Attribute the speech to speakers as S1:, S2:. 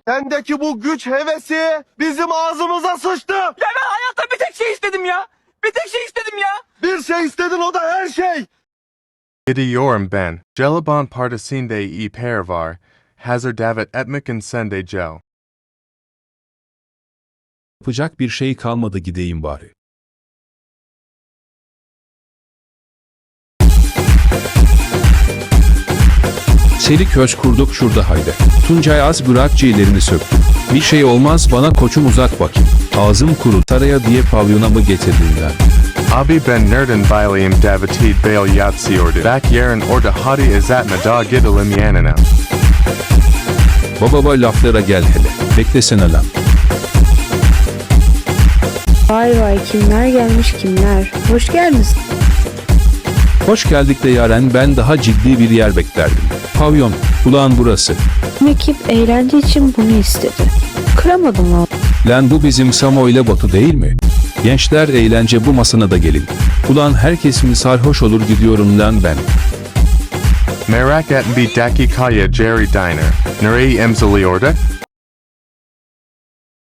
S1: Sendeki bu güç hevesi bizim ağzımıza sıçtı.
S2: Ya ben hayatta bir tek şey istedim ya. Bir tek şey istedim ya.
S1: Bir şey istedin, o da her şey.
S3: Gidiyorum ben. Jelibon partisinde e pervar. Hazır davet etmek sende gel.
S4: Yapacak bir şey kalmadı, gideyim bari. Seri köz kurduk şurada haydi. Tuncay az bırak ciğerlerini söktü. Bir şey olmaz bana koçum, uzat bakayım. Ağzım kuru, taraya diye pavyona mı getirdin lan?
S3: Abi ben nereden bileyim davetid bail yatsıyordu. Bak yarın orada hadi izatma da gidelim yanına.
S4: Baba laflara gel hele. Beklesene lan.
S5: Vay vay, kimler gelmiş kimler. Hoş geldiniz.
S4: Hoş geldik de Yaren, ben daha ciddi bir yer beklerdim. Pavyon, ulan burası.
S5: Ekip eğlence için bunu istedi. Kıramadım valla.
S4: Lan bu bizim Samo ile Batu değil mi? Gençler eğlence bu masana da gelin. Ulan herkes mi sarhoş olur, gidiyorum lan ben.
S3: Merak etme bir dakikaya Jerry Diner. Nereye imzalıyordu?